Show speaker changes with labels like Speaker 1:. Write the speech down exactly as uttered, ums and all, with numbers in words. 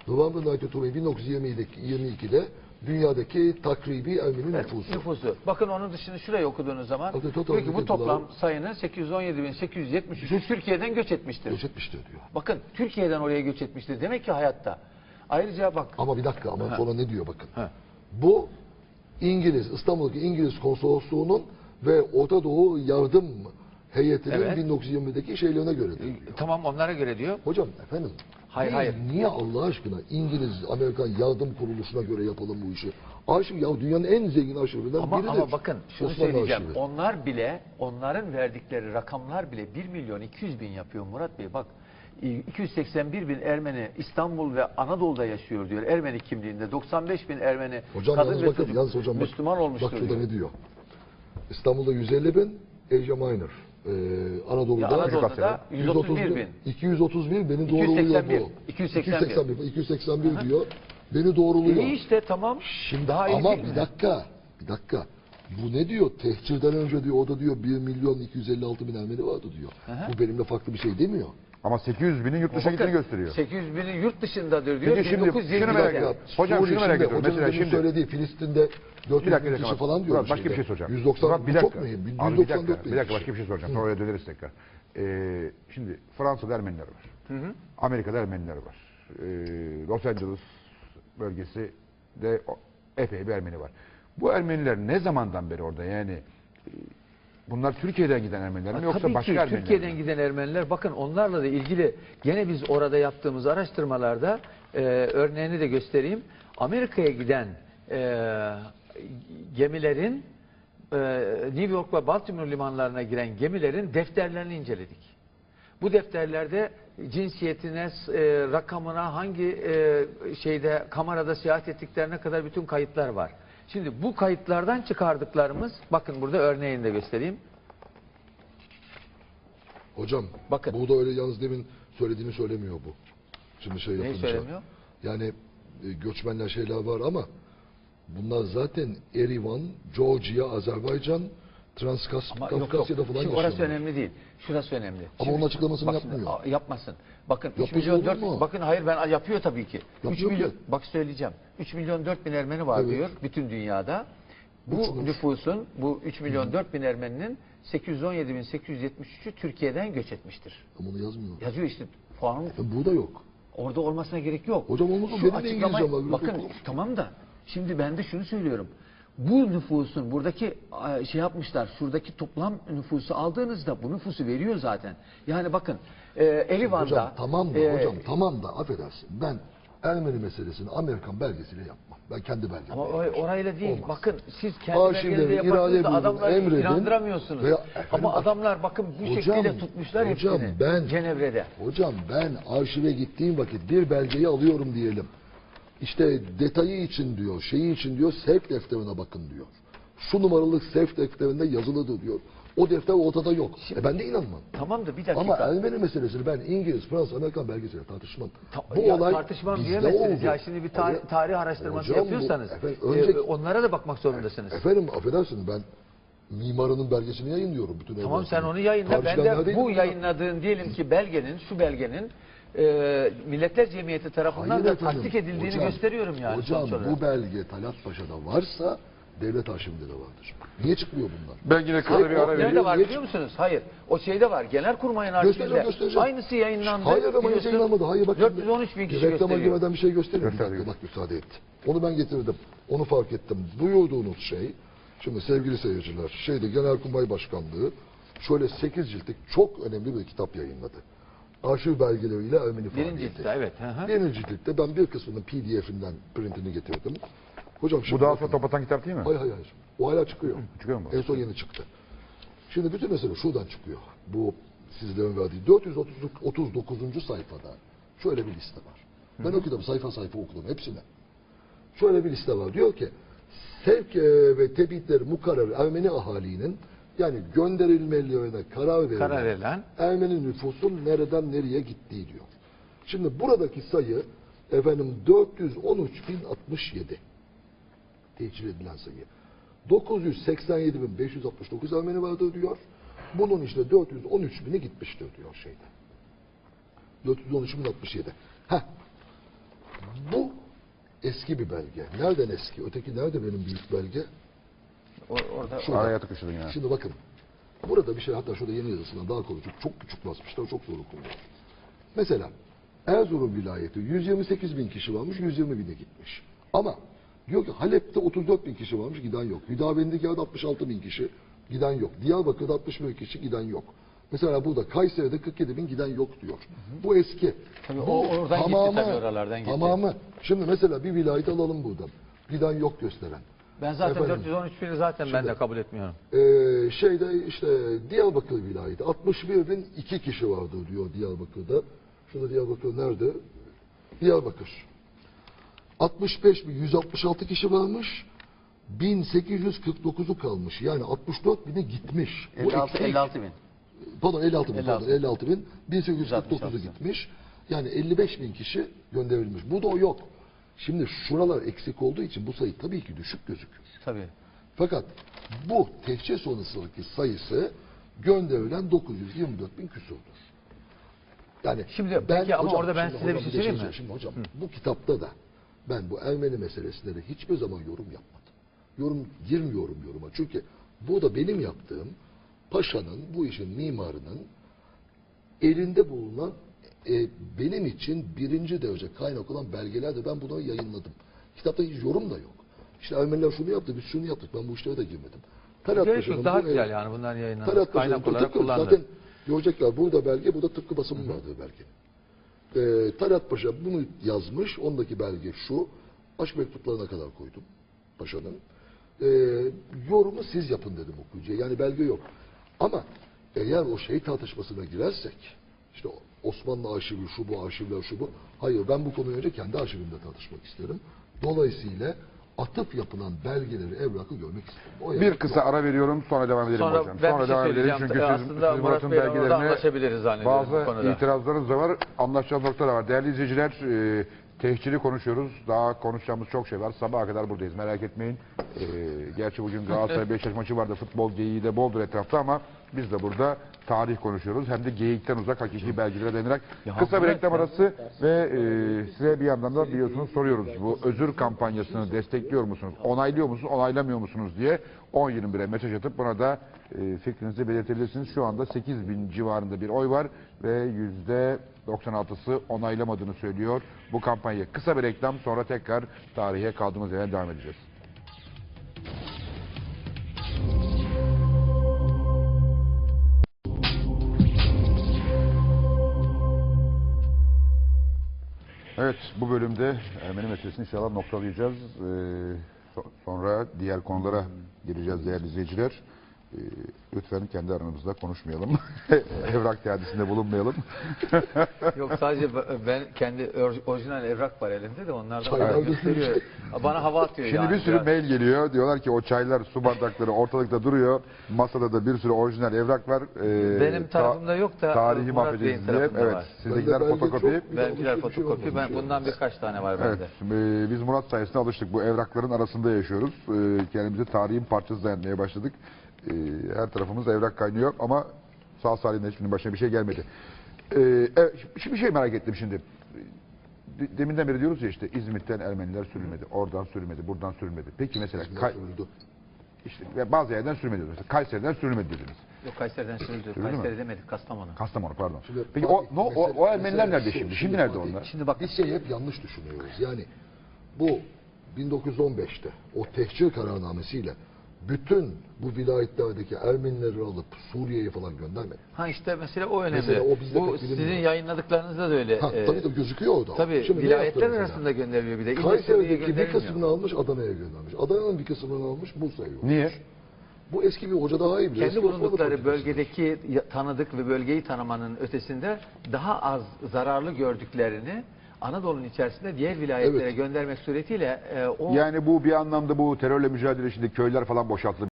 Speaker 1: November bin dokuz yüz yirmi ikide dünyadaki takribi Ermeni
Speaker 2: Evet,
Speaker 1: nüfusu.
Speaker 2: nüfusu. Bakın onun dışını şuraya okuduğunuz zaman
Speaker 1: Bakın, total
Speaker 2: diyor ki bu
Speaker 1: nüfusu
Speaker 2: toplam
Speaker 1: var.
Speaker 2: sayının sekiz yüz on yedi bin sekiz yüz yetmiş üçü Türkiye'den göç etmiştir.
Speaker 1: Göç etmiştir diyor.
Speaker 2: Bakın Türkiye'den oraya göç etmiştir. Demek ki hayatta. Ayrıca bak.
Speaker 1: Ama bir dakika ama
Speaker 2: Ha.
Speaker 1: sonra ne diyor bakın.
Speaker 2: Ha.
Speaker 1: Bu İngiliz, İstanbul'daki İngiliz konsolosluğunun ve Orta Doğu yardım heyetinin
Speaker 2: Evet.
Speaker 1: bin dokuz yüz yirmideki şeylerine göre diyor.
Speaker 2: Tamam onlara göre diyor.
Speaker 1: Hocam efendim.
Speaker 2: Hayır,
Speaker 1: niye,
Speaker 2: hayır.
Speaker 1: Niye Allah aşkına İngiliz, Amerikan yardım kuruluşuna göre yapalım bu işi? Arşiv ya dünyanın en zengin arşivlerinden
Speaker 2: Ama,
Speaker 1: biridir.
Speaker 2: ama bakın şunu
Speaker 1: Osmanlı
Speaker 2: söyleyeceğim.
Speaker 1: arşivi.
Speaker 2: Onlar bile, onların verdikleri rakamlar bile bir milyon iki yüz bin yapıyor Murat Bey. Bak iki yüz seksen bir bin Ermeni İstanbul ve Anadolu'da yaşıyor diyor. Ermeni kimliğinde. doksan beş bin Ermeni
Speaker 1: Hocam
Speaker 2: kadın
Speaker 1: yalnız
Speaker 2: ve
Speaker 1: bakın,
Speaker 2: çocuk
Speaker 1: yalnız hocam bak,
Speaker 2: Müslüman olmuştur
Speaker 1: bak şurada
Speaker 2: diyor.
Speaker 1: ne diyor? İstanbul'da yüz elli bin, Asia Minor. Ee, Anadolu'da,
Speaker 2: Ya Anadolu'da da yüz otuz bir bin.
Speaker 1: iki yüz otuz bir beni
Speaker 2: iki yüz
Speaker 1: doğruluyor
Speaker 2: seksen bir.
Speaker 1: bu.
Speaker 2: iki yüz seksen bir.
Speaker 1: iki yüz seksen bir diyor. Beni doğruluyor.
Speaker 2: İyi işte tamam.
Speaker 1: Şimdi
Speaker 2: Daha iyi
Speaker 1: ama
Speaker 2: değil
Speaker 1: bir
Speaker 2: mi?
Speaker 1: dakika, bir dakika. Bu ne diyor? Tehcirden önce diyor, o da diyor bir milyon iki yüz elli altı bin Ermeni vardı diyor.
Speaker 2: Hı hı.
Speaker 1: Bu benimle farklı bir şey demiyor.
Speaker 3: Ama sekiz yüz binin yurt dışına
Speaker 2: Bakın,
Speaker 3: gittiğini gösteriyor.
Speaker 2: sekiz yüz binin yurt dışındadır diyor.
Speaker 3: Peki şimdi
Speaker 2: bin dokuz yüz yirmi
Speaker 3: şunu merak
Speaker 2: dörtte.
Speaker 3: ediyorum. Hocam
Speaker 1: Suriye
Speaker 3: şunu merak
Speaker 1: şimdi,
Speaker 3: ediyorum.
Speaker 1: hocanın
Speaker 3: Mesela
Speaker 1: demin
Speaker 3: şimdi-
Speaker 1: söylediği Filistin'de dört yüz
Speaker 3: Bir dakika,
Speaker 1: bin
Speaker 3: bir
Speaker 1: kişi
Speaker 3: dakika.
Speaker 1: falan diyor.
Speaker 3: Murat, başka bir şey soracağım.
Speaker 1: yüz doksan
Speaker 3: Murat, bir
Speaker 1: çok
Speaker 3: dakika.
Speaker 1: mühim.
Speaker 3: Abi bir
Speaker 1: yüz doksan dört
Speaker 3: dakika,
Speaker 1: bin
Speaker 3: bir dakika
Speaker 1: kişi.
Speaker 3: başka bir şey soracağım. Sonra oraya döneriz tekrar. Ee, şimdi Fransa'da Ermeniler var.
Speaker 2: Hı hı.
Speaker 3: Amerika'da Ermeniler var. Ee, Los Angeles bölgesi de o- epey bir Ermeni var. Bu Ermeniler ne zamandan beri orada? Yani e, bunlar Türkiye'den giden Ermeniler mi
Speaker 2: Ha,
Speaker 3: yoksa
Speaker 2: tabii
Speaker 3: başka
Speaker 2: ki
Speaker 3: Ermeniler
Speaker 2: Türkiye'den
Speaker 3: mi?
Speaker 2: giden Ermeniler, bakın onlarla da ilgili gene biz orada yaptığımız araştırmalarda e, örneğini de göstereyim. Amerika'ya giden e, gemilerin e, New York ve Baltimore limanlarına giren gemilerin defterlerini inceledik. Bu defterlerde cinsiyetine, e, rakamına, hangi e, şeyde kamerada seyahat ettiklerine kadar bütün kayıtlar var. Şimdi bu kayıtlardan çıkardıklarımız, bakın burada örneğini de göstereyim.
Speaker 1: Hocam
Speaker 2: Bakın.
Speaker 1: bu da öyle yalnız demin söylediğini söylemiyor bu. Şimdi şey
Speaker 2: Neyi
Speaker 1: yapınca.
Speaker 2: söylemiyor?
Speaker 1: Yani e, göçmenler şeyler var ama bunlar zaten Erivan, Georgia, Azerbaycan,
Speaker 2: Ama yok, yok.
Speaker 1: Transkafkasya'da falan
Speaker 2: Şimdi orası
Speaker 1: yaşıyorlar.
Speaker 2: önemli değil. Şurası önemli.
Speaker 1: Ama
Speaker 2: Şimdi-
Speaker 1: onun açıklamasını
Speaker 2: bak şimdi,
Speaker 1: yapmıyor.
Speaker 2: a- yapmasın. Bakın üç
Speaker 1: Yapmaz
Speaker 2: milyon
Speaker 1: olur
Speaker 2: dört.
Speaker 1: mu?
Speaker 2: Bakın hayır ben yapıyor tabii ki. üç
Speaker 1: Yapıyor
Speaker 2: milyon
Speaker 1: ki.
Speaker 2: bak söyleyeceğim. üç milyon dört bin Ermeni var
Speaker 1: Evet.
Speaker 2: diyor bütün dünyada. Bu
Speaker 1: Uçmuş.
Speaker 2: nüfusun, bu üç milyon dört bin Ermeninin sekiz yüz on yedi bin sekiz yüz yetmiş üçü Türkiye'den göç etmiştir.
Speaker 1: Ama onu yazmıyor.
Speaker 2: Yazıyor işte puanın
Speaker 1: E, burada yok.
Speaker 2: orada olmasına gerek yok.
Speaker 1: Hocam olmaz mı?
Speaker 2: Şu
Speaker 1: Benim de
Speaker 2: açıklamayı-
Speaker 1: İngilizcem var.
Speaker 2: bakın
Speaker 1: Yok.
Speaker 2: tamam da şimdi ben de şunu söylüyorum. Bu nüfusun buradaki e, şey yapmışlar, şuradaki toplam nüfusu aldığınızda bu nüfusu veriyor zaten. Yani bakın e, Erivan'da
Speaker 1: Hocam tamam da
Speaker 2: e,
Speaker 1: hocam tamam da affedersin. Ben Ermeni meselesini Amerikan belgesiyle yapmam. Ben kendi belgemle
Speaker 2: ama
Speaker 1: yapacağım.
Speaker 2: o- orayla değil.
Speaker 1: Olmaz.
Speaker 2: Bakın siz kendi
Speaker 1: Arşivleri
Speaker 2: belgenizde
Speaker 1: irade
Speaker 2: yaparsınız da
Speaker 1: buyurun,
Speaker 2: adamları
Speaker 1: emredin.
Speaker 2: inandıramıyorsunuz.
Speaker 1: Veya- efendim
Speaker 2: Ama
Speaker 1: bak-
Speaker 2: adamlar bakın bu
Speaker 1: Hocam,
Speaker 2: şekilde tutmuşlar
Speaker 1: hocam
Speaker 2: hepsini
Speaker 1: ben-
Speaker 2: Cenevre'de.
Speaker 1: Hocam ben arşive gittiğim vakit bir belgeyi alıyorum diyelim. İşte detayı için diyor, şeyi için diyor, sevk defterine bakın diyor. Şu numaralı sevk defterinde yazılıdır diyor. O defter ortada yok. E ben de inanmam.
Speaker 2: Tamam da bir dakika.
Speaker 1: Ama Ermeni meselesini ben İngiliz, Fransız, Amerikan belgesiyle tartışmam.
Speaker 2: Ta-
Speaker 1: Bu
Speaker 2: ya
Speaker 1: olay
Speaker 2: tartışmam
Speaker 1: bizde
Speaker 2: diyemezsiniz.
Speaker 1: oldu.
Speaker 2: Ya şimdi bir tarih,
Speaker 1: Hocam-
Speaker 2: tarih araştırması
Speaker 1: hocam bu-
Speaker 2: yapıyorsanız
Speaker 1: efendim,
Speaker 2: e,
Speaker 1: önce-
Speaker 2: onlara da bakmak zorundasınız.
Speaker 1: Efendim affedersiniz ben mimarının belgesini yayınlıyorum bütün
Speaker 2: Tamam
Speaker 1: evrakları.
Speaker 2: sen onu yayınla. Ben
Speaker 1: Tartışılanlar
Speaker 2: de
Speaker 1: değil
Speaker 2: bu
Speaker 1: mi?
Speaker 2: yayınladığın diyelim ki belgenin, şu belgenin e, Milletler Cemiyeti tarafından
Speaker 1: Hayır
Speaker 2: da
Speaker 1: efendim,
Speaker 2: tasdik edildiğini
Speaker 1: hocam,
Speaker 2: gösteriyorum yani.
Speaker 1: Hocam
Speaker 2: sonuç olarak.
Speaker 1: bu belge Talat Paşa'da varsa devlet arşivinde de vardır. Niye çıkmıyor bunlar?
Speaker 3: Ben yine kısa bir
Speaker 1: Hayır,
Speaker 3: ara
Speaker 1: o-
Speaker 3: vereyim.
Speaker 2: Nerede var
Speaker 1: Niye-
Speaker 2: biliyor musunuz? Hayır. O şeyde var. Genelkurmay'ın
Speaker 1: Göstereceğim,
Speaker 2: arşivinde.
Speaker 1: göstereceğim.
Speaker 2: Aynısı yayınlandı.
Speaker 1: Hayır ama hiç
Speaker 2: Biliyorsun,
Speaker 1: yayınlanmadı. Hayır bak.
Speaker 2: dört yüz on üç bin kişi
Speaker 1: Reklama
Speaker 2: gösteriyor.
Speaker 1: girmeden bir şey göstereyim. Bir
Speaker 3: Göster,
Speaker 1: dakika bak müsaade et. Onu ben getirdim. Onu fark ettim. Duyurduğunuz şey, şimdi sevgili seyirciler, şeyde Genelkurmay Başkanlığı şöyle sekiz ciltlik çok önemli bir kitap yayınladı. Arşiv belgeleriyle Ermeni
Speaker 2: Birinci
Speaker 1: faaliyeti.
Speaker 2: ciltte evet. Hı hı.
Speaker 1: Birinci ciltte ben bir kısmının P D F'inden printini getirdim. Hocam
Speaker 3: Bu
Speaker 1: şimdi
Speaker 3: daha
Speaker 1: bakın.
Speaker 3: sonra topatan kitap değil mi?
Speaker 1: Hayır hayır hayır. O hala çıkıyor.
Speaker 3: Çıkıyor mu?
Speaker 1: En son yeni çıktı. Şimdi bütün mesele şuradan çıkıyor. Bu sizlerin verdiği dört yüz otuz dokuzuncu sayfada şöyle bir liste var. Ben o kitabı sayfa sayfa okudum hepsine. Şöyle bir liste var. Diyor ki sevk e, ve tebitleri mukarrer Ermeni ahalinin yani gönderilmelerine karar verilen,
Speaker 2: Karar verilen.
Speaker 1: Ermeni nüfusun nereden nereye gittiği diyor. Şimdi buradaki sayı efendim dört yüz on üç bin altmış yedi. Tehcir edilen sayı. dokuz yüz seksen yedi bin beş yüz altmış dokuz Ermeni vardır diyor. Bunun işte dört yüz on üç bini gitmiştir diyor şeyde. dört yüz on üç bin altmış yedi. Heh. eski bir belge. Nereden eski? Öteki nerede benim büyük belge?
Speaker 2: O- orada
Speaker 1: Şurada.
Speaker 3: Araya tıkıştırdın yani.
Speaker 1: Şimdi bakın. Burada bir şey, hatta şurada yeni yazısından daha konuşup çok küçük basmışlar, çok zor okunuyor. Mesela Erzurum vilayeti yüz yirmi sekiz bin kişi varmış, yüz yirmi bine gitmiş. Ama diyor ki Halep'te otuz dört bin kişi varmış, giden yok. Hüdavendigar'da altmış altı bin kişi, giden yok. Diyarbakır'da altmış bir kişi, giden yok. Mesela burada Kayseri'de kırk yedi bin, giden yok diyor. Bu eski.
Speaker 2: Tabii
Speaker 1: Bu
Speaker 2: o oradan gitti, tabii oralardan gitti.
Speaker 1: Tamamı. Şimdi mesela bir vilayet alalım buradan. Giden yok gösteren.
Speaker 2: ben zaten
Speaker 1: Efendim?
Speaker 2: dört yüz on üç bini zaten ben de kabul etmiyorum.
Speaker 1: Ee, şeyde işte Diyarbakır vilayeti altmış bir bin iki kişi vardı diyor Diyarbakır'da. Şurada Diyarbakır nerede? Diyarbakır. altmış beş bin yüz altmış altı kişi varmış. bin sekiz yüz kırk dokuzu kalmış. Yani altmış dört bine gitmiş. Bu
Speaker 2: elli altı,
Speaker 1: eksik.
Speaker 2: elli altı bin.
Speaker 1: Pardon elli altı bin.
Speaker 2: elli altı
Speaker 1: Pardon, elli altı bin. bin sekiz yüz kırk dokuzu
Speaker 2: yüz altmış altı.
Speaker 1: gitmiş. Yani elli beş bin kişi gönderilmiş. Bu da o yok. Şimdi şuralar eksik olduğu için bu sayı tabii ki düşük gözüküyor.
Speaker 2: Tabii.
Speaker 1: Fakat bu tehcir sonrasındaki sayısı gönderilen dokuz yüz yirmi dört bin küsurdur. Yani
Speaker 2: Şimdi peki ama orada ben
Speaker 1: şimdi
Speaker 2: size bir
Speaker 1: hocam
Speaker 2: şey söyleyeyim mi?
Speaker 1: Şimdi hocam bu kitapta da ben bu Ermeni meselesinde de hiçbir zaman yorum yapmadım. Yorum girmiyorum yoruma. Çünkü bu da benim yaptığım paşanın, bu işin mimarının elinde bulunan e, benim için birinci derece kaynak olan belgelerde ben bunu yayınladım. Kitapta hiç yorum da yok. İşte Ermeniler şunu yaptı, biz şunu yaptık. Ben bu işlere de girmedim. Talat
Speaker 2: Gerek
Speaker 1: Paşa'nın
Speaker 2: yok, daha
Speaker 1: bu
Speaker 2: güzel
Speaker 1: ev-
Speaker 2: yani bunların yayınlanması.
Speaker 1: Talat Paşa'nın
Speaker 2: Kaynak
Speaker 1: bu
Speaker 2: olarak
Speaker 1: tıpkı-
Speaker 2: kullanılır.
Speaker 1: Zaten görecekler burada belge, burada tıpkı basımın vardığı belge. Ee, Talat Paşa bunu yazmış. Ondaki belge şu. Aşk mektuplarına kadar koydum Paşa'nın. Ee, yorumu siz yapın dedim okuyucuya. Yani belge yok. Ama eğer o şey tartışmasına girersek, işte Osmanlı arşivi, şu bu arşivler, şu bu. Hayır, ben bu konuyu önce kendi arşivimde tartışmak isterim. Dolayısıyla atıf yapılan belgeleri, evrakı görmek isterim. O
Speaker 3: Bir
Speaker 1: evrak
Speaker 3: kısa
Speaker 1: yok.
Speaker 3: ara veriyorum sonra devam edelim
Speaker 2: Sonra
Speaker 3: hocam.
Speaker 2: ben
Speaker 3: Sonra
Speaker 2: bir şey
Speaker 3: devam edelim
Speaker 2: söyleyeceğim.
Speaker 3: çünkü
Speaker 2: Ee,
Speaker 3: siz,
Speaker 2: aslında
Speaker 3: siz
Speaker 2: Murat
Speaker 3: Murat'ın
Speaker 2: Bey'le orada
Speaker 3: belgelerine
Speaker 2: anlaşabiliriz zannediyorum bu
Speaker 3: bazı
Speaker 2: konuda.
Speaker 3: itirazlarınız da var. Anlaşacağımız noktalar var. Değerli izleyiciler, e, tehciri konuşuyoruz. Daha konuşacağımız çok şey var. Sabaha kadar buradayız. Merak etmeyin. E, gerçi bugün Galatasaray Beşiktaş maçı vardı. Futbol geyiği de boldur etrafta ama biz de burada tarih konuşuyoruz. Hem de geyikten uzak hakiki belgelere dayanarak. Kısa bir
Speaker 2: Murat
Speaker 3: reklam
Speaker 2: ya.
Speaker 3: arası ve e, size bir yandan da biliyorsunuz soruyoruz. Bu özür kampanyasını destekliyor musunuz? Onaylıyor musunuz? Onaylamıyor musunuz diye on yirmi bire mesaj atıp buna da e, fikrinizi belirtebilirsiniz. Şu anda sekiz bin civarında bir oy var ve yüzde doksan altısı onaylamadığını söylüyor bu kampanyayı. Kısa bir reklam sonra tekrar tarihe kaldığımız yerden devam edeceğiz. Evet, bu bölümde Ermeni meselesini inşallah noktalayacağız. Ee, so- sonra diğer konulara gireceğiz değerli izleyiciler. Ee, lütfen kendi aranızda konuşmayalım. Evrak teadisinde bulunmayalım.
Speaker 2: Yok sadece ben kendi or- orijinal evrak var elimde de onlardan
Speaker 1: Çaylar
Speaker 2: bana gösteriyor. Bana hava atıyor
Speaker 3: Şimdi
Speaker 2: yani.
Speaker 3: bir sürü
Speaker 2: biraz.
Speaker 3: mail geliyor. Diyorlar ki o çaylar, su bardakları ortalıkta duruyor. Masada da bir sürü orijinal evrak var. Ee,
Speaker 2: Benim
Speaker 3: ta-
Speaker 2: tarafımda yok da
Speaker 3: tarihi
Speaker 2: Murat
Speaker 3: mahvedeceğiz
Speaker 2: Bey'in
Speaker 3: diye.
Speaker 2: tarafında
Speaker 3: Evet,
Speaker 2: var.
Speaker 3: sizdekiler
Speaker 1: Bende belge
Speaker 3: fotokopi.
Speaker 1: çok, bir de
Speaker 2: Benimkiler
Speaker 1: alışveriş bir şey
Speaker 2: fotokopi. Ben
Speaker 1: olmamış
Speaker 2: bundan
Speaker 1: yani.
Speaker 2: birkaç tane var
Speaker 3: Evet,
Speaker 2: bende.
Speaker 3: şimdi biz Murat sayesinde alıştık. Bu evrakların arasında yaşıyoruz. Ee, kendimizi tarihin parçası zannetmeye başladık. Ee, her tarafımız evrak kaynıyor ama sağ salim hiçbirinin başına bir şey gelmedi. Ee, evet, şimdi bir şey merak ettim şimdi. De- Deminden beri diyoruz ya işte İzmit'ten Ermeniler sürülmedi, oradan sürülmedi, buradan sürülmedi. Peki mesela Kay-
Speaker 1: Sürüldü.
Speaker 3: işte ve bazı yerden sürülmedi. Mesela Kayseri'den sürülmedi dediniz.
Speaker 2: Yok Kayseri'den sürüldü.
Speaker 3: Sürüldü mü?
Speaker 2: Kayseri demedik, Kastamonu.
Speaker 3: Kastamonu pardon.
Speaker 1: Şimdi
Speaker 3: Peki o,
Speaker 1: Fatih,
Speaker 3: no, o,
Speaker 1: mesele-
Speaker 3: o Ermeniler
Speaker 1: mesele
Speaker 3: nerede
Speaker 1: şu,
Speaker 3: şimdi?
Speaker 1: şimdi
Speaker 3: Şimdi nerede
Speaker 1: Fatih,
Speaker 3: onlar?
Speaker 2: Şimdi bak
Speaker 1: Biz şeyi hep yanlış düşünüyoruz. Yani bu bin dokuz yüz on beşte o tehcir kararnamesiyle bütün bu vilayetlerdeki Ermenileri alıp Suriye'ye falan göndermedi.
Speaker 2: ha işte mesela o önemli.
Speaker 1: Mesela o bizde
Speaker 2: Bu
Speaker 1: pek
Speaker 2: sizin
Speaker 1: bilinmiyor.
Speaker 2: yayınladıklarınızda da öyle.
Speaker 1: Ha,
Speaker 2: Ee,
Speaker 1: tabii de gözüküyor orada.
Speaker 2: tabii
Speaker 1: Şimdi ne
Speaker 2: vilayetler
Speaker 1: yaptı mesela?
Speaker 2: arasında gönderiliyor bir de. İlle Suriye'ye
Speaker 1: Kayseri'deki bir
Speaker 2: gönderilmiyor.
Speaker 1: kısmını almış Adana'ya göndermiş. Adana'nın bir kısmını almış Bursa'ya göndermiş.
Speaker 3: Niye?
Speaker 1: Bu eski bir hoca daha iyi bilir.
Speaker 2: Kendi
Speaker 1: Eski Osmanlı
Speaker 2: bulundukları
Speaker 1: politikası.
Speaker 2: bölgedeki ya- tanıdık ve bölgeyi tanımanın ötesinde daha az zararlı gördüklerini Anadolu'nun içerisinde diğer vilayetlere
Speaker 1: Evet.
Speaker 2: göndermek suretiyle e, o
Speaker 3: Yani bu bir anlamda bu terörle mücadele içinde köyler falan boşaltıldı.